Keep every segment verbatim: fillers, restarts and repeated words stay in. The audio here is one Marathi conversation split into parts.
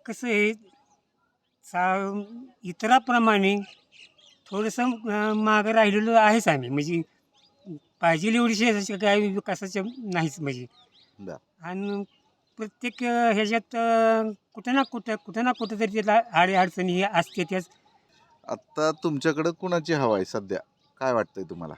कसं आहे सा इतराप्रमाणे थोडंसं अ, मागं राहिलेलो आहेच आम्ही. म्हणजे पाहिजे एवढी शहराची काय विकासाच्या नाहीच म्हणजे. बरं. आणि प्रत्येक अ, ह्याच्यात अ, कुठं ना कुठं कुठं ना कुठं तरी त्याला अडी-अडचणी हे असते त्याच. आता तुमच्याकडं कुणाची हवा आहे सध्या? काय वाटतंय तुम्हाला?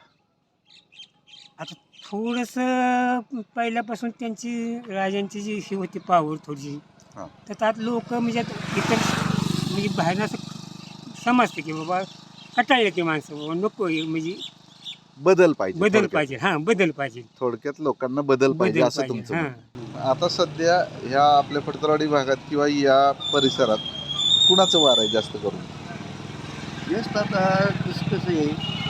आता थोडंसं पहिल्यापासून त्यांची राजांची जी ही होती पॉवर थोडीशी, हां. तर त्यात लोकं म्हणजे आता इतर म्हणजे बाहेरनं असं समजते की बाबा कंटाळले ते माणसं बाबा नको आहे म्हणजे बदल पाहिजे बदल थोडक्यात. पाहिजे. हां, बदल पाहिजे. थोडक्यात लोकांना बदल पाहिजे बदल असं पाहिजे. तुमचं हां. म्हणणं. आता सध्या ह्या आपल्या फडतरवाडी भागात किंवा या परिसरात कुणाचं वार आहे जास्त करून? जास्त आता कसं कसं आहे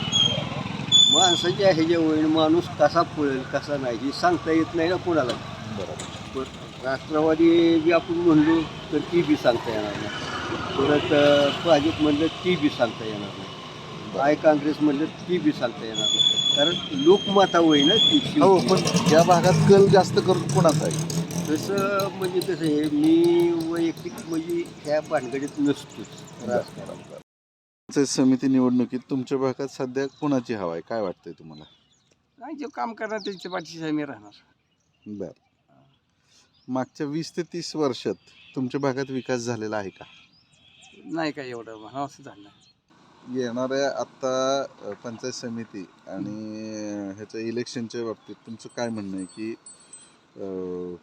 माणसाच्या ह्याच्यावर माणूस कसा पळेल कसा नाही हे सांगता येत नाही ना कोणाला. बरोबर. पण राष्ट्रवादी बी आपण म्हणलो तर ती बी सांगता येणार नाही. परत अं, भाजप म्हणलं ती बी सांगता येणार नाही. आय काँग्रेस म्हणलं ती बी सांगता येणार नाही. कारण लोकमाता होई ना ती हो, शेवटी. पण या भागात कल जास्त करून कुणाचा आहे? तसं म्हणजे कसं आहे मी वैयक्तिक म्हणजे ह्या भानगडीत नसतोच राजकारण. पंचायत समिती निवडणुकीत तुमच्या भागात सध्या कुणाची हवा आहे? काय वाटतंय तुम्हाला? नाही जे काम करणार त्याच्या पाठीशी आम्ही राहणार. बर. मागच्या वीस ते तीस वर्षात तुमच्या भागात विकास झालेला आहे का? नाही काय एवढं म्हणावं असं झालं नाही. येणाऱ्या आत्ता अ, पंचायत समिती आणि ह्याच्या इलेक्शनच्या बाबतीत तुमचं काय म्हणणं आहे की अ,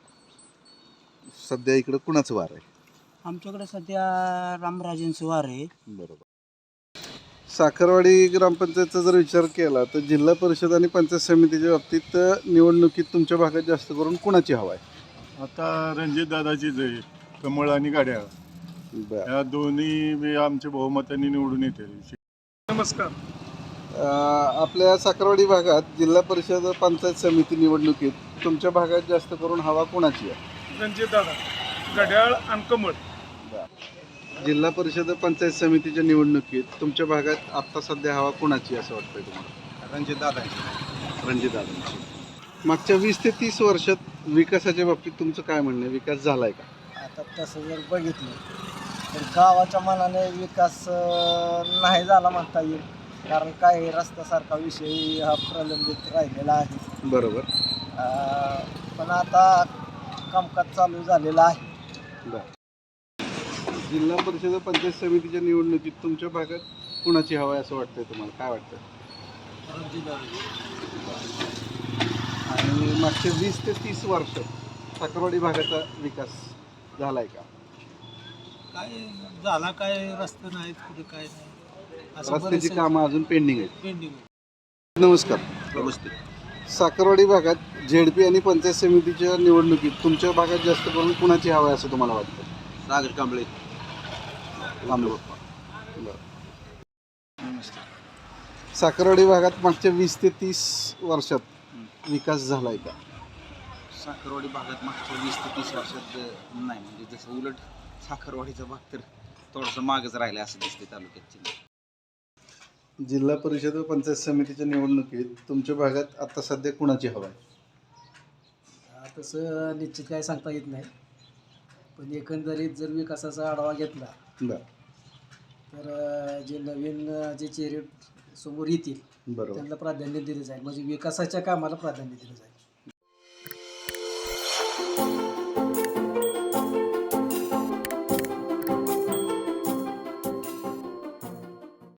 सध्या इकडं कुणाचं वार आहे? आमच्याकडे सध्या रामराजेंचं वार आहे. बरोबर. साखरवाडी ग्रामपंचायतचा जर विचार केला तर जिल्हा परिषद आणि पंचायत समितीच्या बाबतीत अ, निवडणुकीत तुमच्या भागात जास्त करून कुणाची हवा आहे? आता रणजित दादाचीच आहे, कमळ आणि गाड्या बर. या दोन्ही बी आमच्या बहुमताने निवडून येते. नमस्कार. अ, आपल्या साखरवाडी भागात जिल्हा परिषद पंचायत समिती निवडणुकीत तुमच्या भागात जास्त करून हवा कुणाची आहे? रणजित दादा, घड्याळ आणि कमळ. जिल्हा परिषद पंचायत समितीच्या निवडणुकीत तुमच्या भागात आत्ता सध्या हवा कुणाची असं वाटतंय तुम्हाला? रणजित दादा रणजित दादांची. मागच्या वीस ते तीस वर्षात विकासाच्या बाबतीत तुमचं काय म्हणणं आहे? विकास झालाय का? आता तसं जर बघितलं तर गावाच्या मनाने विकास अं, नाही झाला म्हणता येईल. कारण काय रस्त्यासारखा विषय हा प्रलंबित राहिलेला आहे. बरोबर. अं, पण आता कामकाज चालू झालेलं आहे. बर. जिल्हा परिषद पंचायत समितीच्या निवडणुकीत तुमच्या भागात कुणाची हवा आहे असं वाटतंय तुम्हाला? काय वाटतं? आणि मागच्या वीस ते तीस वर्षात साखरवाडी भागाचा विकास झालाय का? काय झाला काय रस्ते नाहीत कुठे काय नाही रस्त्याची कामं अजून पेंडिंग आहेत. पेंडिंग. नमस्कार. नमस्ते. साखरवाडी भागात झेडपी आणि पंचायत समितीच्या निवडणुकीत तुमच्या भागात जास्त करून कुणाची हवा आहे असं तुम्हाला वाटतं? सागर कांबळे. बरं. साखरवाडी भागात मागच्या वीस ते तीस वर्षात विकास झालाय का? साखरवाडी भागात मागच्या वीस ते तीस वर्षात नाही, म्हणजे जसं उलट साखरवाडीचा भाग तर थोडंसं मागच राहिला असं दिसते तालुक्याची. जिल्हा परिषद व पंचायत समितीच्या निवडणुकीत तुमच्या भागात आता सध्या कुणाची हवा आहे? तसं निश्चित काय सांगता येत नाही. पण एकंदरीत जर विकासाचा आढावा घेतला बरं. तर अं, जे नवीन अं, जे चेहरे समोर येतील बरोबर. त्यांना प्राधान्य दिलं जाईल. म्हणजे विकासाच्या कामाला प्राधान्य दिलं जाईल.